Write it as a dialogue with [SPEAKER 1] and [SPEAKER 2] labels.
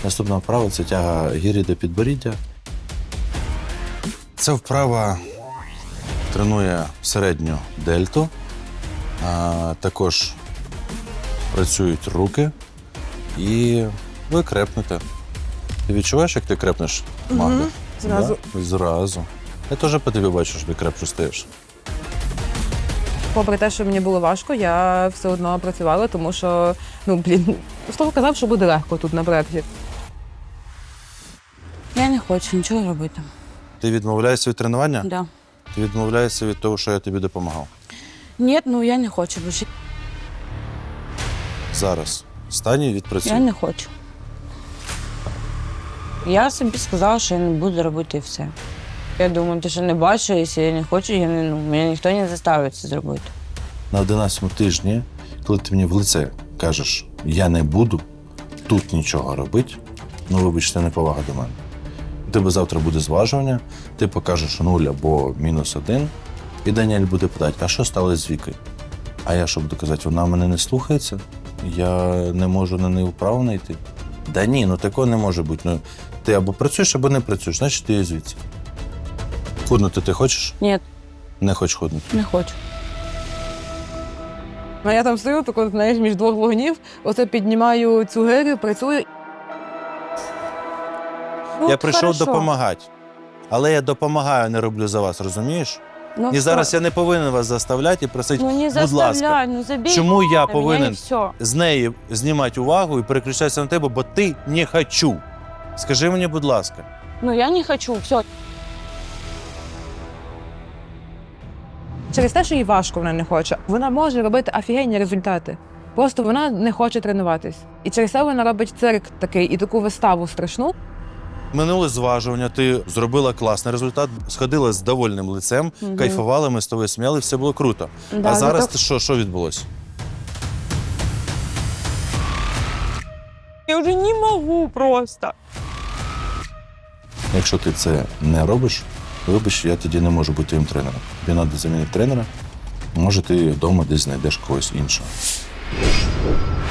[SPEAKER 1] Наступна вправа – це тяга гірі до підборіддя. Ця вправа тренує середню дельту, також працюють руки і ви крепнете. Ти відчуваєш, як ти крепнеш, Магда?
[SPEAKER 2] Зразу.
[SPEAKER 1] Да? Зразу. Я теж по тобі бачу, що ти крепше стаєш.
[SPEAKER 2] Попри те, що мені було важко, я все одно працювала, тому що, Слава казав, що буде легко тут на проєкті.
[SPEAKER 3] Я не хочу нічого робити.
[SPEAKER 1] Ти відмовляєшся від тренування?
[SPEAKER 3] Да.
[SPEAKER 1] Ти відмовляєшся від того, що я тобі допомагав.
[SPEAKER 3] Ні, я не хочу більше.
[SPEAKER 1] Зараз. Встань і відпрацюй.
[SPEAKER 3] Я не хочу. Я собі сказала, що я не буду робити і все. Я думаю, ти що не бачиш, якщо я не хочу, мене ніхто не заставить це зробити.
[SPEAKER 1] На 11-му тижні, коли ти мені в лице кажеш, я не буду тут нічого робити, вибач, це неповага до мене. У тебе завтра буде зважування, ти покажеш 0 або -1, і Даніель буде питати, а що сталося з Вікою? А я що буду казати, вона мене не слухається? Я не можу на неї вправу знайти? Да ні, такого не може бути. Ти або працюєш, або не працюєш, значить ти є звідси. Худнути ти хочеш?
[SPEAKER 3] Ні,
[SPEAKER 1] Не хочеш худнути.
[SPEAKER 3] не хочу.
[SPEAKER 2] А я там стою, так, знаєш, між двох вогнів, оце піднімаю цю гирю, працюю.
[SPEAKER 1] Я прийшов
[SPEAKER 3] хорошо.
[SPEAKER 1] допомагати. Але я допомагаю, не роблю за вас, розумієш?
[SPEAKER 3] Ну,
[SPEAKER 1] І
[SPEAKER 3] все.
[SPEAKER 1] зараз я не повинен вас заставляти і просити,
[SPEAKER 3] Не
[SPEAKER 1] будь ласка,
[SPEAKER 3] заставляй, забей.
[SPEAKER 1] чому я
[SPEAKER 3] на мене і
[SPEAKER 1] повинен
[SPEAKER 3] все.
[SPEAKER 1] з неї знімати увагу і переключатися на тебе, бо ти не хочу. Скажи мені, будь ласка.
[SPEAKER 3] Я не хочу, все.
[SPEAKER 2] Через те, що їй важко вона не хоче, вона може робити офігенні результати. Просто вона не хоче тренуватись. І через це вона робить цирк такий і таку виставу страшну.
[SPEAKER 1] Минуле зважування, ти зробила класний результат, сходила з довольним лицем, кайфувала, ми з тобою сміяли, все було круто.
[SPEAKER 3] Да,
[SPEAKER 1] а зараз
[SPEAKER 3] зато-
[SPEAKER 1] що відбулося?
[SPEAKER 3] Я вже не можу просто.
[SPEAKER 1] Якщо ти це не робиш, вибач, я тоді не можу бути твоїм тренером. Тобі треба замінити тренера, може ти вдома десь знайдеш когось іншого.